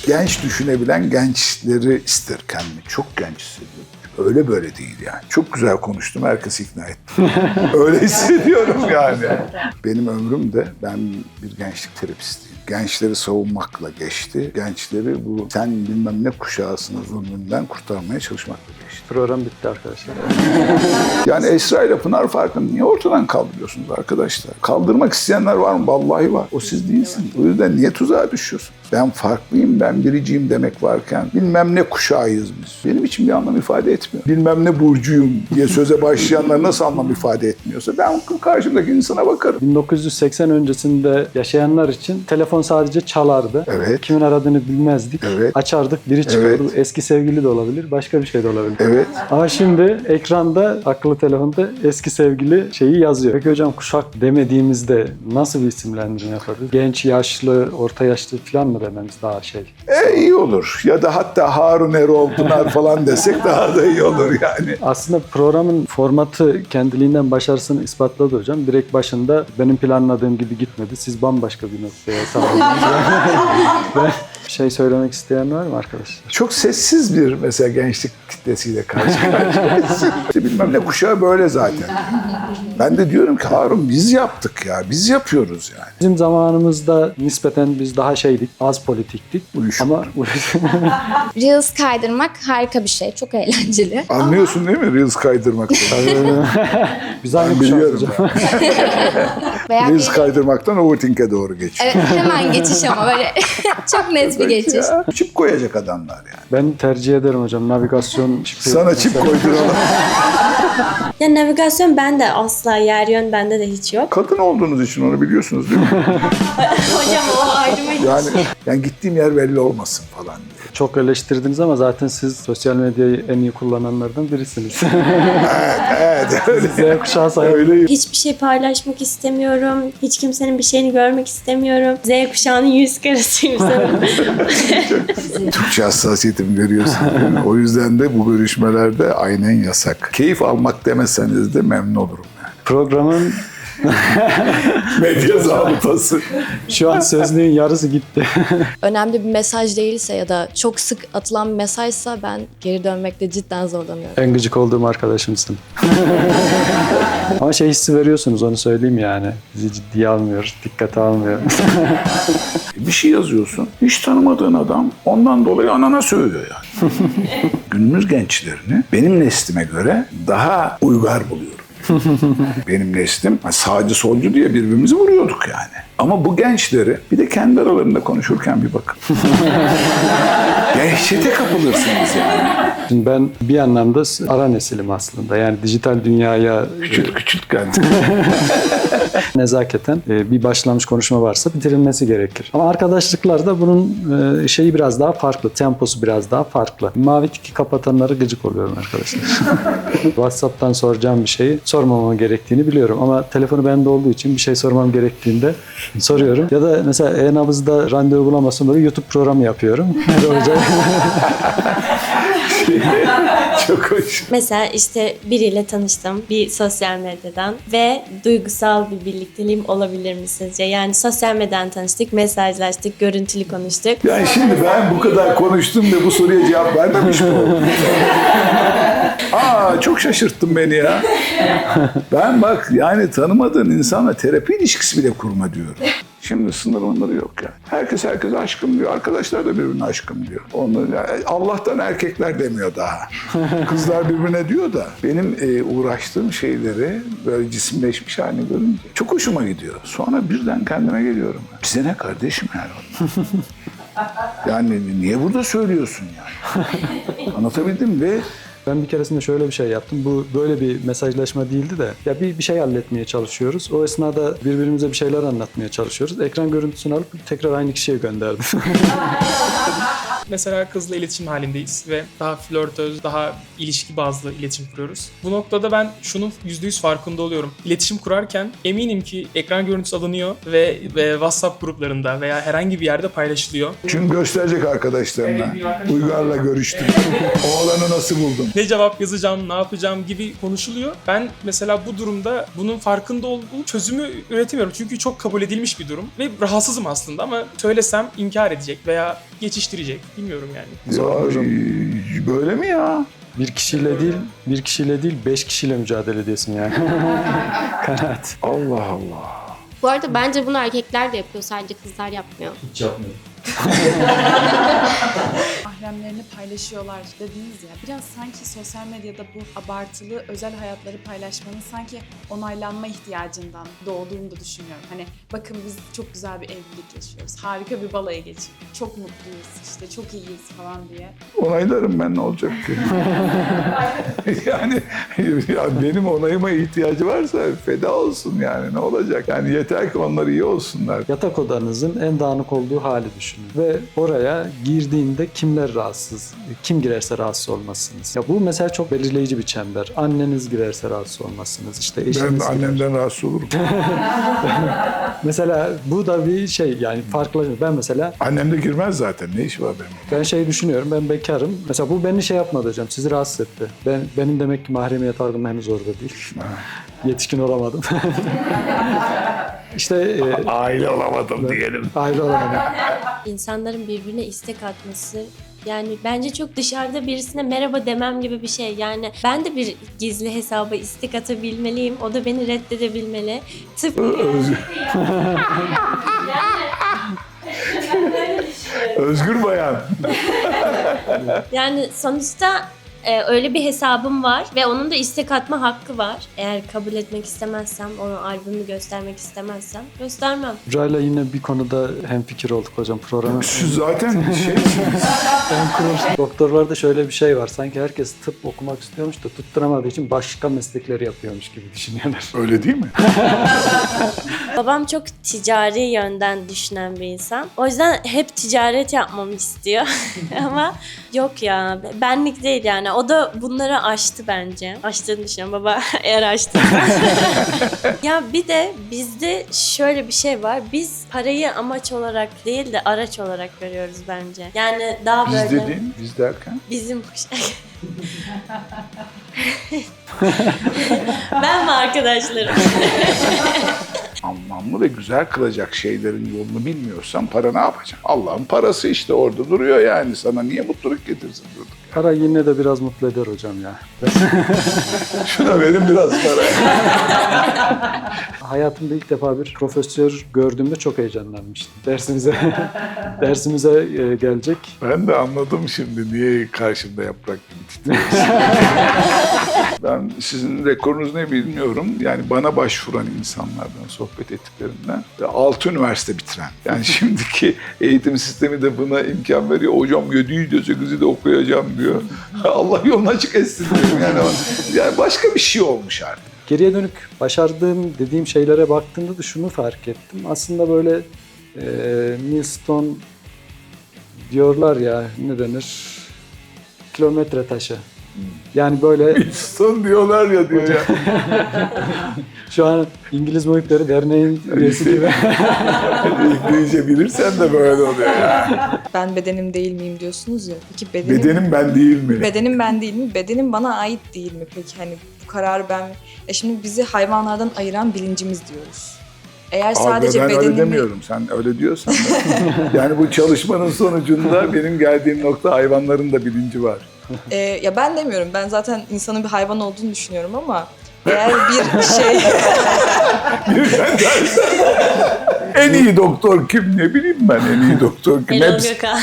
genç düşünebilen gençleri ister kendini. Çok genç hissediyorum. Öyle böyle değil yani. Çok güzel konuştum, herkesi ikna ettim. Öyle hissediyorum yani. Benim ömrüm de, ben bir gençlik terapistiyim. Gençleri savunmakla geçti. Gençleri bu sen bilmem ne kuşağısının zulmünden kurtarmaya çalışmakla geçti. Program bitti arkadaşlar. Yani Esra ile Pınar farkını niye ortadan kaldırıyorsunuz arkadaşlar? Kaldırmak isteyenler var mı? Vallahi var. O siz değilsiniz. O yüzden niye tuzağa düşüyorsunuz? Ben farklıyım, ben biriciyim demek varken bilmem ne kuşağıyız biz. Benim için bir anlam ifade etmiyor. Bilmem ne burcuyum diye söze başlayanlar nasıl anlam ifade etmiyorsa ben karşımdaki insana bakarım. 1980 öncesinde yaşayanlar için telefon sadece çalardı. Evet. Kimin aradığını bilmezdik. Evet. Açardık, biri çıkardı. Evet. Eski sevgili de olabilir, başka bir şey de olabilir. Evet. Ama şimdi ekranda, akıllı telefonda eski sevgili şeyi yazıyor. Peki hocam kuşak demediğimizde nasıl bir isimlendirme yaparız? Genç, yaşlı, orta yaşlı falan mı dememiz daha şey? İyi olur. Ya da hatta Harun Erol, Pınar falan desek daha da iyi olur yani. Aslında programın formatı kendiliğinden başarısını ispatladı hocam. Direkt başında benim planladığım gibi gitmedi. Siz bambaşka bir noktaya tamamladınız. Şey söylemek isteyen var mı arkadaşlar? Çok sessiz bir mesela gençlik kitlesiyle karşı karşıyayız. İşte bilmem ne kuşağı böyle zaten. Ben de diyorum ki Harun biz yaptık ya, biz yapıyoruz yani. Bizim zamanımızda nispeten biz daha şeydik, az politiktik. Uyuşuk. Ama Reels kaydırmak harika bir şey. Çok eğlenceli. Anlıyorsun değil mi Reels kaydırmaktan? biz aynı Ben kuşağız biliyorum. hocam. Veya Reels kaydırmaktan overthink'e doğru geçiyor. Evet, hemen geçiş ama böyle çok net bir geçiş. Ya, çip koyacak adamlar yani. Ben tercih ederim hocam navigasyon çipi. Sana çip koyduralım. Ya navigasyon bende asla, yer yön bende de hiç yok. Kadın olduğunuz için onu biliyorsunuz değil mi? Hocam o ayrı mı? Yani gittiğim yer belli olmasın falan diye. Çok eleştirdiniz ama zaten siz sosyal medyayı en iyi kullananlardan birisiniz. Evet öyle. Z kuşağı sayılır. Öyle. Hiçbir şey paylaşmak istemiyorum. Hiç kimsenin bir şeyini görmek istemiyorum. Z kuşağının yüz karasıyım sanırım. Türkçe hassasiyetimi görüyorsun. değil mi? O yüzden de bu görüşmelerde aynen yasak. Keyif almak demeseniz de memnun olurum yani. Programın Medya zabıtası. şu an sözlüğün yarısı gitti. Önemli bir mesaj değilse ya da çok sık atılan bir mesajsa ben geri dönmekte cidden zorlanıyorum. En gıcık olduğum arkadaşımsın. Ama şey hissi veriyorsunuz onu söyleyeyim yani. Bizi ciddiye almıyor, dikkate almıyor. Bir şey yazıyorsun. Hiç tanımadığın adam ondan dolayı anana sövüyor yani. Günümüz gençlerini benim neslime göre daha uygar buluyorum. Benim neslim sağcı solcu diye birbirimizi vuruyorduk yani. Ama bu gençleri bir de kendi aralarında konuşurken bir bakın. Dehşete kapılırsınız yani. Şimdi ben bir anlamda ara nesilim aslında. Yani dijital dünyaya Küçült kendini. nezaketen bir başlamış konuşma varsa bitirilmesi gerekir. Ama arkadaşlıklarda bunun şeyi biraz daha farklı. Temposu biraz daha farklı. Mavi tiki kapatanları gıcık oluyorum arkadaşlar. WhatsApp'tan soracağım bir şeyi sormamam gerektiğini biliyorum. Ama telefonu bende olduğu için bir şey sormam gerektiğinde soruyorum. Ya da mesela e-nabızda randevu bulamazsam böyle YouTube programı yapıyorum. Çok hoş. Mesela işte biriyle tanıştım bir sosyal medyadan ve duygusal bir birlikteliğim olabilir mi sizce? Yani sosyal medyadan tanıştık, mesajlaştık, görüntülü konuştuk. Yani şimdi ben bu kadar konuştum ve bu soruya cevap vermemiş mi oldum? Çok şaşırttın beni ya. Ben bak yani tanımadığın insanla terapi ilişkisi bile kurma diyorum. Şimdi sınırları yok yani. Herkes aşkım diyor. Arkadaşlar da birbirine aşkım diyor. Allah'tan erkekler demiyor daha. Kızlar birbirine diyor da benim uğraştığım şeyleri böyle cisimleşmiş halini görünce çok hoşuma gidiyor. Sonra birden kendime geliyorum. Bize ne kardeşim yani? Yani niye burada söylüyorsun yani? Anlatabildim mi? Ve Ben bir keresinde şöyle bir şey yaptım. Bu böyle bir mesajlaşma değildi de ya bir şey halletmeye çalışıyoruz. O esnada birbirimize bir şeyler anlatmaya çalışıyoruz. Ekran görüntüsünü alıp tekrar aynı kişiye gönderdim. mesela kızla iletişim halindeyiz ve daha flörtöz, daha ilişki bazlı iletişim kuruyoruz. Bu noktada ben şunun %100 farkında oluyorum. İletişim kurarken eminim ki ekran görüntüsü alınıyor ve WhatsApp gruplarında veya herhangi bir yerde paylaşılıyor. Çünkü gösterecek arkadaşlarına. Evet, bir arkadaşım. Uygar'la görüştüm. Oğlanı nasıl buldun? Ne cevap yazacağım, ne yapacağım gibi konuşuluyor. Ben mesela bu durumda bunun farkında olduğum çözümü üretemiyorum. Çünkü çok kabul edilmiş bir durum ve rahatsızım aslında ama söylesem inkar edecek veya geçiştirecek. Bilmiyorum yani. Ya, böyle mi ya? Bir kişiyle değil 5 kişiyle mücadele ediyorsun yani. Kanaat. Allah Allah. Bu arada bence bunu erkekler de yapıyor, sadece kızlar yapmıyor. Hiç yapmıyorum. Mahremlerini paylaşıyorlar dediniz ya. Biraz sanki sosyal medyada bu abartılı özel hayatları paylaşmanın sanki onaylanma ihtiyacından doğduğunu da düşünüyorum. Hani bakın biz çok güzel bir evlilik yaşıyoruz. Harika bir balayı geçirdik. Çok mutluyuz işte, çok iyiyiz falan diye. Onaylarım ben, ne olacak ki? Yani ya benim onayıma ihtiyacı varsa feda olsun yani, ne olacak? Yani yeter ki onlar iyi olsunlar. Yatak odanızın en dağınık olduğu hali düşünün. Ve oraya girdiğinde kimler rahatsız, kim girerse rahatsız olmazsınız. Ya bu mesela çok belirleyici bir çember. Anneniz girerse rahatsız olmazsınız. İşte eşiniz Ben annemden rahatsız olurum. Mesela bu da bir şey yani farklı. Ben mesela Annem de girmez zaten. Ne işi var benim? ben şey düşünüyorum, ben bekarım. Mesela bu beni şey yapmadı hocam, sizi rahatsız etti. Benim demek ki mahremiyet algım henüz orada değil. Yetişkin olamadım. İşte Aile olamadım diyelim. aile olamadım. İnsanların birbirine istek atması, yani bence çok dışarıda birisine merhaba demem gibi bir şey. Yani ben de bir gizli hesaba istek atabilmeliyim. O da beni reddedebilmeli. Tıpkı Özgür bayan. yani sonuçta öyle bir hesabım var ve onun da istek atma hakkı var. Eğer kabul etmek istemezsem, onu albümü göstermek istemezsem göstermem. Burayla yine bir konuda hemfikir olduk hocam programı. Şu zaten şey... Doktorlarda şöyle bir şey var. Sanki herkes tıp okumak istiyormuş da tutturamadığı için başka meslekleri yapıyormuş gibi düşünüyorlar. Öyle değil mi? Babam çok ticari yönden düşünen bir insan. O yüzden hep ticaret yapmamı istiyor. Ama yok ya, benlik değil yani. O da bunları aştı bence. Aştığını düşünüyorum baba, eğer aştıysa. Ya bir de bizde şöyle bir şey var. Biz parayı amaç olarak değil de araç olarak görüyoruz bence. Yani daha Biz böyle... dediğin, biz derken? Bizim... Ben ve arkadaşlarım. Anlamlı ve güzel kılacak şeylerin yolunu bilmiyorsan para ne yapacak? Allah'ın parası işte orada duruyor yani. Sana niye mutluluk getirsin durduk? Para yine de biraz mutlu eder hocam ya. Şuna verin biraz para. Hayatımda ilk defa bir profesör gördüğümde çok heyecanlanmıştım. Dersimize gelecek. Ben de anladım şimdi niye karşımda yaprak gibi titriyorsun. Ben sizin rekorunuz ne bilmiyorum. Yani bana başvuran insanlardan, sohbet ettiklerimden 6 üniversite bitiren. Yani şimdiki eğitim sistemi de buna imkan veriyor. Hocam 7'yi de 8'i de okuyacağım diyor. Allah yolunu açık etsin diyorum. Yani başka bir şey olmuş artık. Geriye dönük başardığım dediğim şeylere baktığımda da şunu fark ettim. Aslında böyle milestone diyorlar ya, ne denir? Kilometre taşı. Yani böyle Son diyorlar ya diyor ya. şu an İngiliz Muhipleri Derneği'nin üyesi gibi. İngilizce bilirsen de böyle oluyor ya. Ben bedenim değil miyim diyorsunuz ya. Peki Bedenim ben değil mi? bedenim ben değil mi? Bedenim bana ait değil mi? Peki hani bu kararı ben... Şimdi bizi hayvanlardan ayıran bilincimiz diyoruz. Eğer sadece ben öyle bedenimi... demiyorum. Sen öyle diyorsan da. Yani bu çalışmanın sonucunda benim geldiğim nokta hayvanların da bilinci var. Ya ben demiyorum. Ben zaten insanın bir hayvan olduğunu düşünüyorum ama eğer bir şey... Sen dersen, en iyi doktor kim, ne bileyim ben en iyi doktor kim? Erol Gökhan.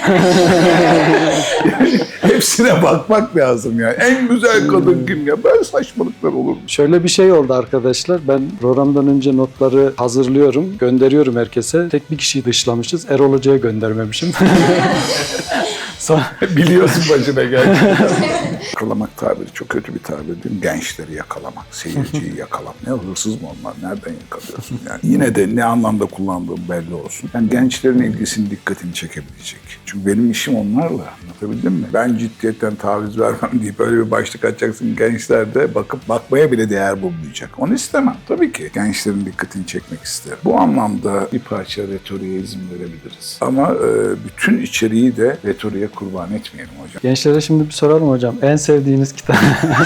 Hepsine bakmak lazım yani. En güzel kadın kim ya? Böyle saçmalıklar olur mu? Şöyle bir şey oldu arkadaşlar. Ben programdan önce notları hazırlıyorum, gönderiyorum herkese. Tek bir kişiyi dışlamışız. Erol Hoca'ya göndermemişim. Biliyorsun başına geldi. Yakalamak tabiri çok kötü bir tabir değil mi? Gençleri yakalamak, seyirciyi yakalamak. Ne hırsız mı onlar? Nereden yakalıyorsun? Yani yine de ne anlamda kullandığım belli olsun. Yani gençlerin ilgisini, dikkatini çekebilecek. Çünkü benim işim onlarla. Anlatabildim mi? Ben ciddiyetten taviz vermem deyip öyle bir başlık açacaksın. Gençler de bakmaya bile değer bulmayacak. Onu istemem. Tabii ki gençlerin dikkatini çekmek isterim. Bu anlamda bir parça retoriğe izin verebiliriz. Ama bütün içeriği de retoriğe kurban etmeyelim hocam. Gençlere şimdi bir soralım hocam. En sevdiğiniz kitap?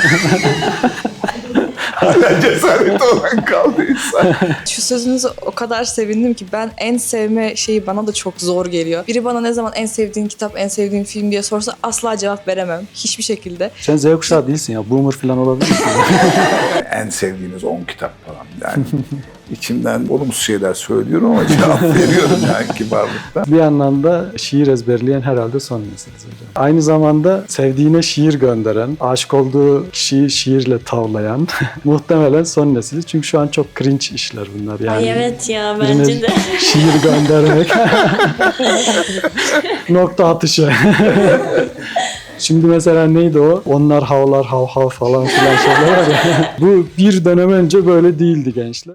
Hala cesareti olan kaldıysa. Şu sözünüze o kadar sevindim ki ben en sevme şeyi bana da çok zor geliyor. Biri bana ne zaman en sevdiğin kitap, en sevdiğin film diye sorsa asla cevap veremem. Hiçbir şekilde. Sen Z kuşağı değilsin ya. Boomer falan olabilir misin? En sevdiğiniz 10 kitap falan. Yani içimden olumsuz şeyler söylüyorum ama cevap veriyorum yani kibarlıkla. Bir anlamda şiir ezberleyen herhalde son nesiliz hocam. Aynı zamanda sevdiğine şiir gönderen, aşık olduğu kişiyi şiirle tavlayan muhtemelen son nesiliz. Çünkü şu an çok cringe işler bunlar. Yani Ay evet ya birine bence de. şiir göndermek. Nokta atışı. Şimdi mesela neydi o? Onlar havlar hav hav falan filan şeyler var ya. Bu bir dönem önce böyle değildi gençler.